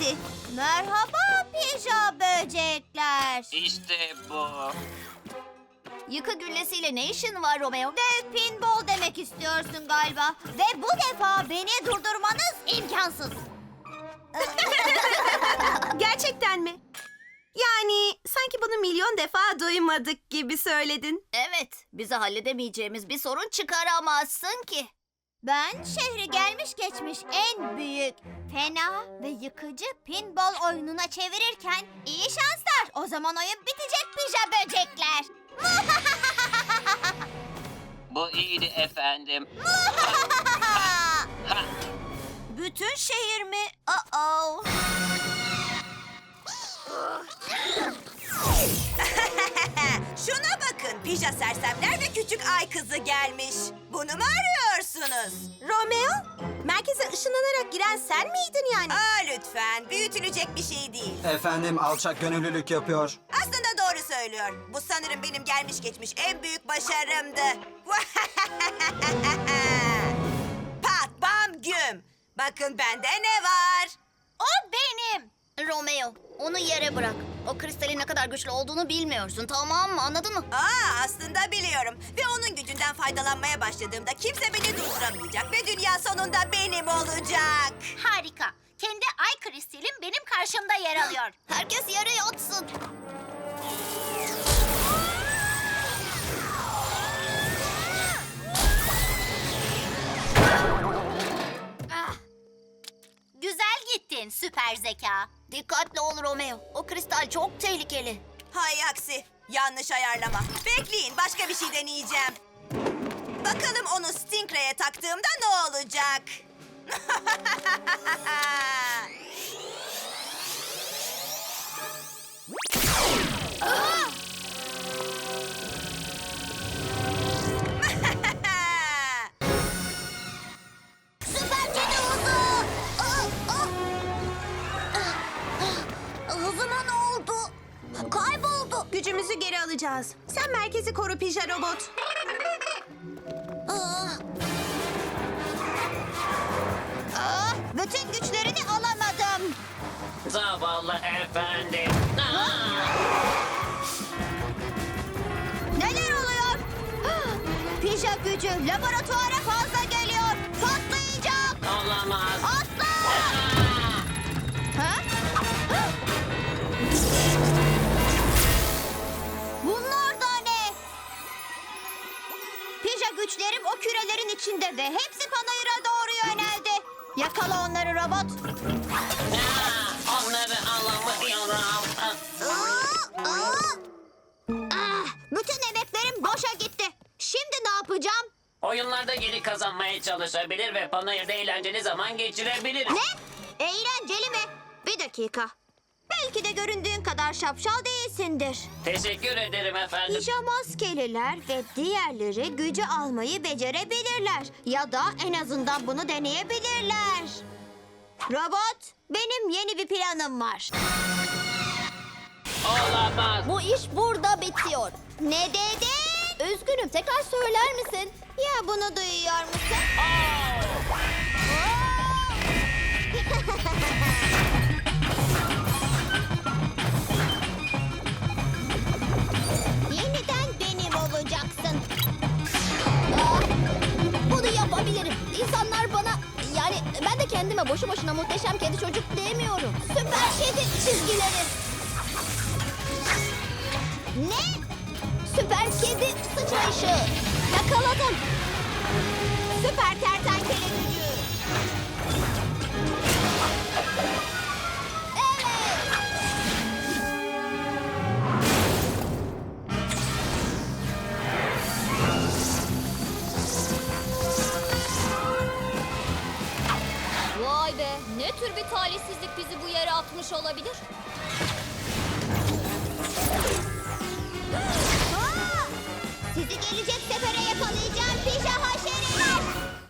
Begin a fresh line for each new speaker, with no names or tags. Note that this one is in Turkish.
geldi. Merhaba pija böcekler.
İşte bu.
Yıkı güllesiyle ne işin var Romeo? Dev pinball demek istiyorsun galiba. Ve bu defa beni durdurmanız imkansız.
Gerçekten mi? Yani sanki bunu milyon defa duymadık gibi söyledin.
Evet, bize halledemeyeceğimiz bir sorun çıkaramazsın ki. Ben şehri gelmiş geçmiş en büyük, fena ve yıkıcı pinball oyununa çevirirken iyi şanslar. O zaman oyun bitecek pija böcekler.
Bu iyiydi efendim.
Bütün şehir mi? Uh-oh.
Şuna bakın, pija sersemler ve küçük ay kızı gelmiş. Bunu mu arıyorsunuz? Romeo, merkeze ışınlanarak giren sen miydin yani? Lütfen, büyütülecek bir şey değil.
Efendim alçak gönüllülük yapıyor.
Aslında doğru söylüyor. Bu sanırım benim gelmiş geçmiş en büyük başarımdı. Pat bam güm. Bakın bende ne var?
O benim. Romeo, onu yere bırak. O kristalin ne kadar güçlü olduğunu bilmiyorsun, tamam mı? Anladın mı?
Aslında biliyorum. Ve onun gücünden faydalanmaya başladığımda kimse beni durduramayacak. Ve dünya sonunda benim olacak.
Harika. Kendi ay kristalim benim karşımda yer alıyor. Herkes yere yatsın. Güzel gittin süper zeka. Dikkatli ol Romeo. O kristal çok tehlikeli.
Hay aksi. Yanlış ayarlama. Bekleyin, başka bir şey deneyeceğim. Bakalım onu Stingray'e taktığımda ne olacak?
Süper kedi hızı. Hızıma ne oldu? Kayboldu.
Gücümüzü geri alacağız. Sen merkezi koru pija robot.
Bütün güçlerini alamadım.
Zavallı efendim.
Neler oluyor? Pija gücü laboratuvara fazla geliyor. Patlayacak.
Olamaz.
Atla! Ha? Bunlar da ne? Pija güçlerim o kürelerin içinde ve hepsi Panayır'a doğru yöneldi. Yakala onları robot.
Onları alamıyorum.
Bütün emeklerim boşa gitti. Şimdi ne yapacağım?
Oyunlarda geri kazanmaya çalışabilir ve panayırda eğlenceli zaman geçirebilirim.
Ne? Eğlenceli mi? Bir dakika. Belki de göründüğün kadar şapşal değilsindir.
Teşekkür ederim efendim.
Pija maskeliler ve diğerleri gücü almayı becerebilirler. Ya da en azından bunu deneyebilirler. Robot, benim yeni bir planım var.
Olamaz.
Bu iş burada bitiyor. Ne dedin? Üzgünüm, tekrar söyler misin? Ya bunu duyuyor musun? Yeniden benim olacaksın. Bunu yapabilirim. İnsanlar bana... Yani ben de kendime boşu boşuna muhteşem kedi çocuk demiyorum. Süper kedi çizgileri. Ne? Süper kedi sıçrayışı. Yakaladım. Süper kertenkele gücü. Evet.
Vay be, ne tür bir talihsizlik bizi bu yere atmış olabilir?
Aa! Sizi gelecek